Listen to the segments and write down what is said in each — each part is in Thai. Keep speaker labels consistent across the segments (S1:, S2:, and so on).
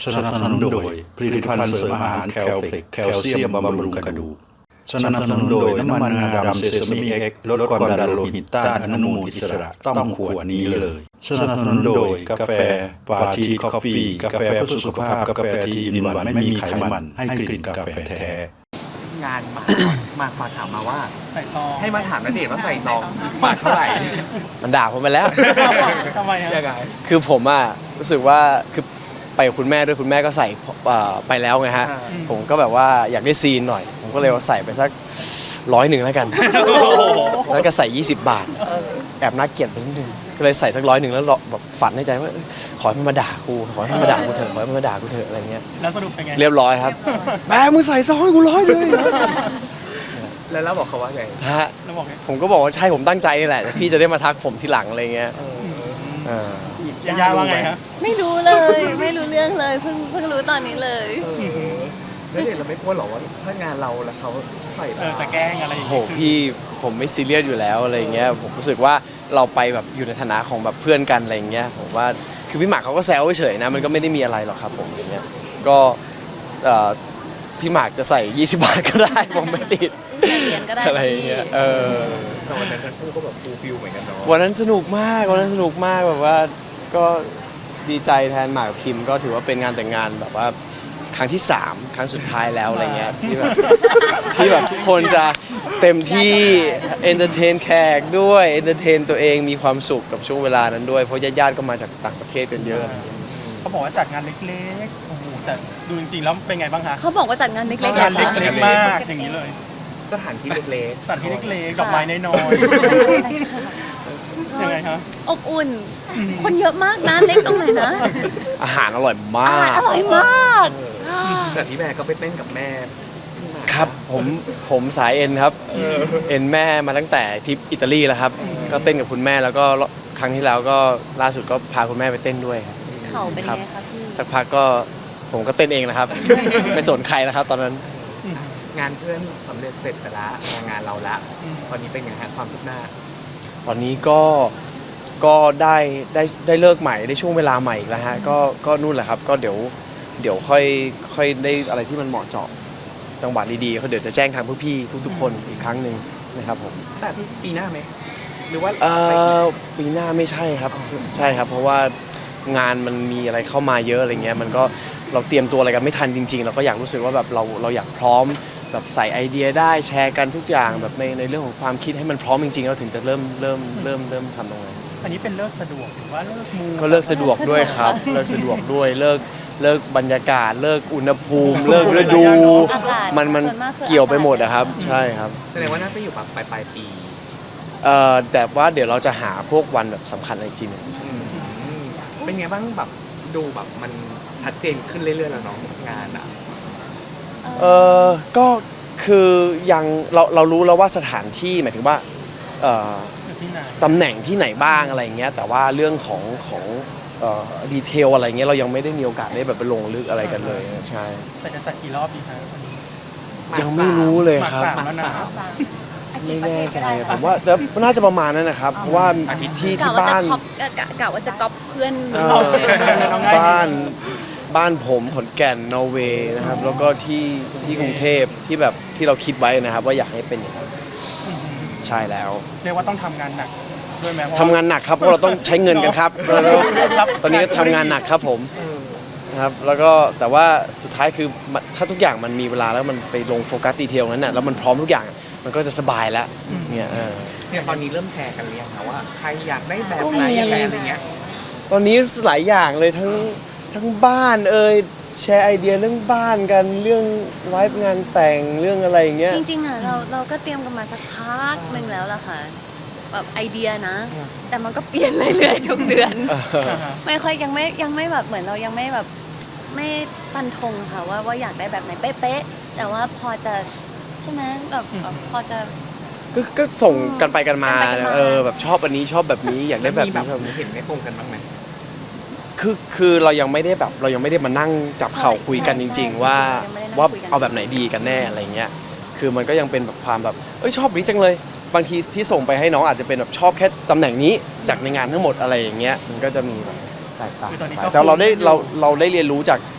S1: สนับสนุนโดยผลิตภัณฑ์เสริมอาหารแคลเพล็กแคลเซียมบำรุงกระดูกสนับสนุนโดยน้ำมันงาดำเซซามิเอ็กซ์ลดความดันโลหิตต้านอนุมูลอิสระต้องขวดนี้เลยสนับสนุนโดยกาแฟปาทีคอฟฟี่กาแฟเพื่อสุขภาพกาแฟที่อินวันไม่มีไขมันให้กลิ่นกาแฟแท้
S2: งานมาฝากถามมาว่า
S3: ใส่ซอง
S2: ให้มาถามณเดชน์ว่าใส่ซองบาทเท่าไหร่
S4: มันด่าผมไปแล้ว
S3: ทำไมฮะ
S4: คือผมรู้สึกว่าคือไปกับคุณแม่ด้วยคุณแม่ก็ใส่ไปแล้วไงฮะผมก็แบบว่าอยากได้ซีนหน่อยผมก็เลยใส่ไปสัก100แล้วกันแล้วก็ใส่20 บาทแอบน่าเกลียดไปนิดนึงก็เลยใส่สัก100แล้วแบบฝันในใจว่าขอให้มันมาด่ากูขอให้มันมาด่ากูเถอะขอให้มันมาด่ากูเถอะอะไรเงี้ย
S3: แล้วสรุปเป็นไง
S4: เรียบร้อยครับแม่มึงใส่ซองให้กู100เลย
S2: แล้วเราบอกเขาว่าไง
S4: ฮะผมก็บอกว่าใช่ผมตั้งใจนี่แหละแต่พี่จะได้มาทักผมทีหลังอะไรเงี้ย
S3: ย่าว่าไงครับ
S5: ไม่รู้เลยไม่รู้เรื่องเลยเพิ่งรู้ตอนนี้เลย
S2: แล้วเด็กเราไม่กลัวหรอว่าถ้างานเราแล้วเขาใส่
S3: จะแกล้งอะไรอย่างเงี้ย
S4: โหพี่ผมไม่ซีเรียสอยู่แล้วอะไรเงี้ยผมรู้สึกว่าเราไปแบบอยู่ในฐานะของแบบเพื่อนกันอะไรเงี้ยผมว่าคือพี่หมากเขาก็แซวเฉยนะมันก็ไม่ได้มีอะไรหรอกครับผมอย่างเงี้ยก็พี่หมากจะใส่20 บาทก็ได้ผมไม่ติดอะไรเงี้ย
S2: แต่วันนั้นทั้งคู่ก็แบบฟูลฟิลเหมือนกันเนาะ
S4: วันนั้นสนุกมากแบบว่าก็ดีใจแทนหมากกับคิมก็ถือว่าเป็นงานแต่งงานแบบว่าครั้งที่3ครั้งสุดท้ายแล้วอะไรเงี้ยที่แบบทุกคนจะเต็มที่เอนเตอร์เทนแขกด้วยเอนเตอร์เทนตัวเองมีความสุขกับช่วงเวลานั้นด้วยเพราะญาติๆก็มาจากต่างประเทศกันเยอะ
S3: เขาบอกว่าจัดงานเล็กๆโอ้โหแต่ดูจริงๆแล้วเป็นไงบ้างคะ
S5: เขาบอกว่าจัดงานเล็กๆ
S3: งานเล็กๆมากอย่างนี้เลย
S2: สถานที่เล็ก
S3: ๆสถานที่เล็กๆดอกไม้น้อยๆยังไงคะ
S5: อบอุ่นคนเยอะมากนะเล็กตรงไหนนะ
S4: อาหารอร่อยมาก
S5: อร่อยมาก
S2: แต่พี่แม่ก็ไปเต้นกับแม่
S4: ครับผมสายเอ็นครับเอ็นแม่มาตั้งแต่ทริปอิตาลีแล้วครับก็เต้นกับคุณแม่แล้วก็ครั้งที่แล้วก็ล่าสุดก็พาคุณแม่ไปเต้นด้วย
S5: เขาเป็นไงครับพี่
S4: สักพักก็ผมก็เต้นเองนะครับไม่สนใครนะครับตอนนั้น
S2: งานเพื่อนสำเร็จเสร็จไปละงานเราละตอนนี้เป็นไงฮะความคืบหน้า
S4: ตอนนี้ก็ได้เลิกใหม่ได้ช่วงเวลาใหม่อีกแล้วฮะก็นู่นแหละครับก็เดี๋ยวค่อยได้อะไรที่มันเหมาะเจาะจังหวะดีๆเขาเดี๋ยวจะแจ้งทางพี่ๆทุกๆคนอีกครั้งหนึ่งนะครับผม
S2: แต่ปีหน้าไหมหรือว่า
S4: ปีหน้าไม่ใช่ครับใช่ครับเพราะว่างานมันมีอะไรเข้ามาเยอะอะไรเงี้ยมันก็เราเตรียมตัวอะไรกันไม่ทันจริงๆเราก็อยากรู้สึกว่าแบบเราอยากพร้อมแบบใส่ไอเดียได้แชร์กันทุกอย่างแบบในเรื่องของความคิดให้มันพร้อมจริงๆเราถึงจะเริ่มทำตรงนั้น
S3: อันนี้เป็นเลิกสะดวกหรือว่าเลิกมู
S4: ก็เลิกสะดวกด้วยครับเลิกสะดวกด้วยเลิกบรรยากาศเลิกอุณหภูมิเลิกฤดูมันเกี่ยวไปหมดนะครับใช่ครับ
S2: แสดงว่าน่าจะอยู่แบบปลายปี
S4: แต่ว่าเดี๋ยวเราจะหาพวกวันแบบสำคัญอะไรจริง
S2: เป็นไงบ้างแบบดูแบบมันชัดเจนขึ้นเรื่อยๆแล้วเนาะงาน
S4: ก็คือยังเรารู้แล้วว่าสถานที่หมายถึงว่าตำแหน่งที่ไหนบ้างอะไรเงี้ยแต่ว่าเรื่องของดีเทลอะไรเงี้ยเรายังไม่ได้มีโอกาสได้แบบไปลงลึกอะไรกันเลยใช่
S3: แต่จะจัดกี่รอบดีคะ
S4: ยังไม่รู้เลยครับไม่แน่ใจผมว่าแต่น่าจะประมาณนั้นนะครับเพราะว่าที่บ้าน
S5: กะว่าจะก๊อปเพื่อน
S4: บ้านผมขอนแก่นนอร์เวย์นะครับแล้วก็ที่กรุงเทพที่แบบที่เราคิดไว้นะครับว่าอยากให้เป็นอย่างนั้นใช่แล้ว
S3: เรียกว่าต้องทำงานหนักด้วยไหม
S4: ทำงานหนักครับเพราะเราต้องใช้เงินกันครับตอนนี้ก็ทำงานหนักครับผมนะครับแล้วก็แต่ว่าสุดท้ายคือถ้าทุกอย่างมันมีเวลาแล้วมันไปลงโฟกัสดีเทลนั้นน่ะแล้วมันพร้อมทุกอย่างมันก็จะสบายแล้วเนี่ย
S2: ตอนนี้เริ่มแชร์กันหรือยังคะว่าใครอยากได้แบบไหนอะไรเงี้ย
S4: ตอนนี้หลายอย่างเลยทั้งบ้านแชร์ไอเดียเรื่องบ้านกันเรื่องไวฟ์งานแต่งเรื่องอะไรอย่างเงี้ย
S5: จริงๆอ่ะเราก็เตรียมกันมาสักพักนึงแล้วล่ะค่ะแบบไอเดียนะแต่มันก็เปลี่ยนเรื่อยๆทุกเดือนไม่ค่อยยังไม่แบบเหมือนเรายังไม่แบบไม่ฟันธงค่ะว่าอยากได้แบบไหนเป๊ะๆแต่ว่าพอจะใช่ไหมแบบพอจะ
S4: ก็ส่งกันไปกันมาแบบชอบอันนี้ชอบแบบนี้อยากได้แบบนี้ชอบ
S2: เห็นไม่ตรงกันบ้างไหม
S4: คือเรายังไม่ได้มานั่งจับเข่าคุยกันจริงๆว่าเอาแบบไหนดีกันแน่อะไรเงี้ยคือมันก็ยังเป็นแบบความแบบชอบนี้จังเลยบางทีที่ส่งไปให้น้องอาจจะเป็นแบบชอบแค่ตำแหน่งนี้จากในงานทั้งหมดอะไรอย่างเงี้ยมันก็จะมีแบบแตกต่างแต่เราได้เรียนรู้จาก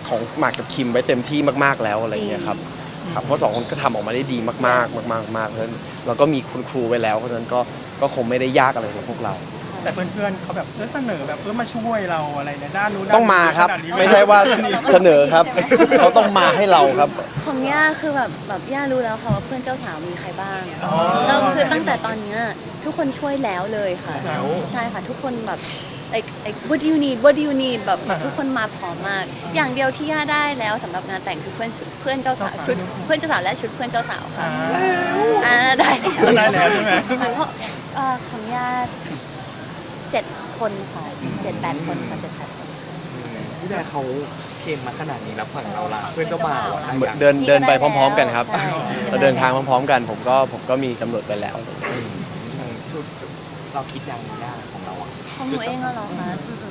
S4: ของหมากกับคิมไว้เต็มที่มากๆแล้วอะไรเงี้ยครับเพราะสองคนก็ทำออกมาได้ดีมากๆมากๆเพราะฉะนั้นเราก็มีคุณครูไว้แล้วเพราะฉะนั้นก็คงไม่ได้ยากอะไรสำหรับพวกเรา
S3: แต่เพื่อนๆเขาแบบเสนอแบบมาช่วยเราอะไรในด้านนู้น
S4: ต้องมาครับ
S3: ขนดนี้
S4: ไม่ใช่ว่าเสนอครับเขาต้องมาให้เราครับ
S5: ของย่าคือแบบย่ารู้แล้วค่ะว่าเพื่อนเจ้าสาวมีใครบ้างเราคือตั้งแต่ตอนเนี้ยทุกคนช่วยแล้วเลยค่ะใช่ค่ะทุกคนแบบlike what do you need what do you need แบบทุกคนมาพร้อมมาก อย่างเดียวที่ย่าได้แล้วสำหรับงานแต่งคือเพื่อนเจ้าสาวชุดเพื่อนเจ้าสาวและชุดเพื่อนเจ้าสาวค่ะได้แล้ว
S3: ใช่ไหม
S5: เพราะของย่า7 คนค่ะ7-8 คนค่ะ7-8 คน
S2: พี่แบร์เขาเคลมมาขนาดนี้แล้วฝั่งเราล่ะเพื่อนเจ้าบ่าวอะ
S4: เดินไปพร้อมๆกันครับ
S5: ใช่
S4: เราเดินทางพร้อมๆกันผมก็มีกำหนดไปแล้ว
S2: ชุดเราคิดยังยากของเราอ่ะ
S5: ของหนูเองเหรอคะ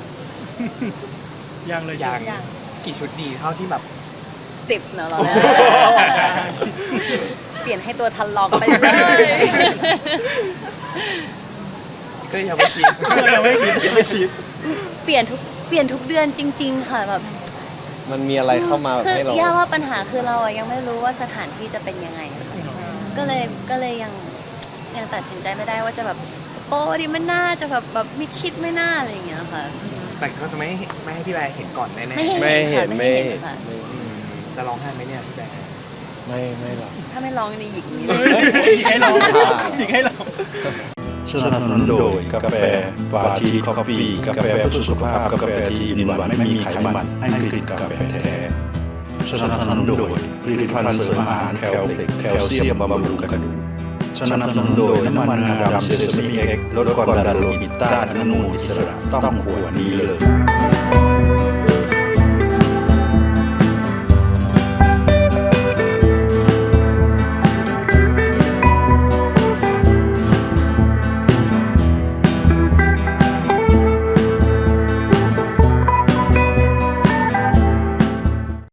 S3: ยังเลย
S2: ยัง
S5: ยัง
S2: กี่ชุดดีเท่าที่แบบ
S5: 10เนอะเราเนี่ยเปลี่ยนให้ตัวทันลองไปเลย
S2: ก็ยังไม่คิด
S3: ยังไม่คิด
S5: เปลี่ยนทุกเดือนจริง ๆ ค่ะแบบ
S4: มันมีอะไรเข้ามาแบบ
S5: คื
S4: ให้เรา
S5: ย่าว่าปัญหาคือเราอะยังไม่รู้ว่าสถานที่จะเป็นยังไงค่ะก็เลยยังตัดสินใจไม่ได้ว่าจะแบบจะโป๊ดีไม่น่าจะแบบมิดชิดไม่น่าอะไรอย่างเงี้ยค่ะ
S2: แต่เขาจะไม่ให้พี่แบร์เห็นก่อนแน่ๆ
S5: ไม่เห็น
S4: ไม่เห็น
S5: ค่ะ
S2: อืมจะร้องไห้ไหมเนี่ยพี่แบร์
S4: ไม่หรอก
S5: ถ้าไม่ร้องนี่หยิกนี่
S3: หยิกให้เราหยิกให้เรา
S1: สนับสนุนโดยกาแฟปาทีคอฟฟี่กาแฟเพื่อสุขภาพกาแฟที่มีหวานไม่มีไขมันให้กลิ่นกาแฟแท้สนับสนุนโดยผลิตภัณฑ์เสริมอาหารแคลเพล็กแคลเซียมบำรุงกระดูกสนับสนุนโดยน้ำมันงาดำเซซามิเอ็กซ์ลดความดันโลหิตต้านอนุมูลอิสระต้องขวดนี้เลย